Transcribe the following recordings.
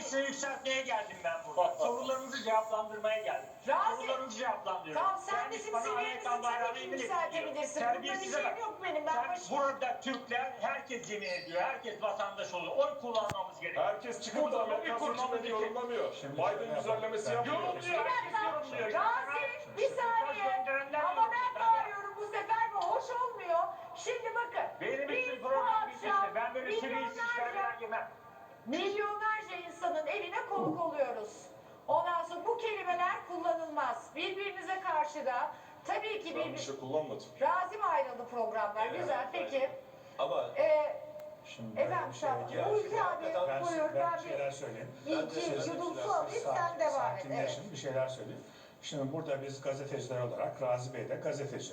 size yükseltmeye geldim ben burada. Sorularınızı cevaplandırmaya geldim. Razi, Sorularınızı cevaplandırıyorum. tamam sen Kendisi bizim bana seviyemizi Amerikan bayrağını tabii ki indirip yükseltebilirsin. diyor. Bunda bir Terbiyesize şeyim bak. yok benim. Ben Burada Türkler herkes yemin ediyor. Herkes vatandaş oluyor. Oy kullanmamız gerekiyor. Herkes çıkıp da Amerikan seçimlerini yorumlamıyor. Biden düzenlemesi yapmıyor. Yorumluyor. Herkes yorumluyor. Razi bir saniye. Ama ben bağırıyorum bu sefer bu hoş olmuyor. Şimdi bakın. Benim için Biz bu program bitmişti. akşam Ben böyle seviyesiz şeyler yemem. milyonlarca insanın evine konuk oluyoruz. Ondan sonra bu kelimeler kullanılmaz. Birbirinize karşı da tabii ki Ben bir şey kullanmadım. Razi mi ayrıldı programlar? Güzel peki. Ama Şimdi Efendim bir şey sen Ulki abi buyur ben ben bir şeyler söyleyeyim. bir iki yudum su alayım sen devam et. Evet. Sakinleşin, bir şeyler söyleyeyim. Şimdi burada biz gazeteciler olarak, Razi Bey de gazeteci.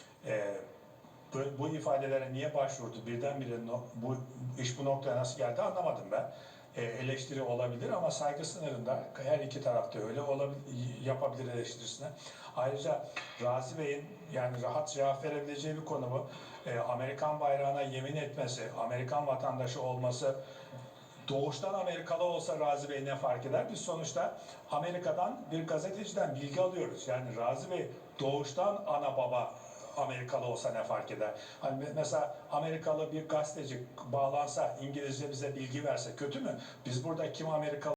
Bu ifadelere niye başvurdu? Birdenbire bu iş bu noktaya nasıl geldi anlamadım ben. Eleştiri olabilir ama saygı sınırında her iki tarafta öyle yapabilir eleştirisine. Ayrıca Razi Bey'in yani rahat cevap verebileceği bir konu bu. Amerikan bayrağına yemin etmesi, Amerikan vatandaşı olması, doğuştan Amerikalı olsa Razi Bey ne fark eder? Biz sonuçta Amerika'dan bir gazeteciden bilgi alıyoruz. Yani Razi Bey doğuştan ana baba Amerikalı olsa ne fark eder? Hani mesela Amerikalı bir gazeteci bağlansa, İngilizce bize bilgi verse kötü mü? Biz burada kim Amerikalı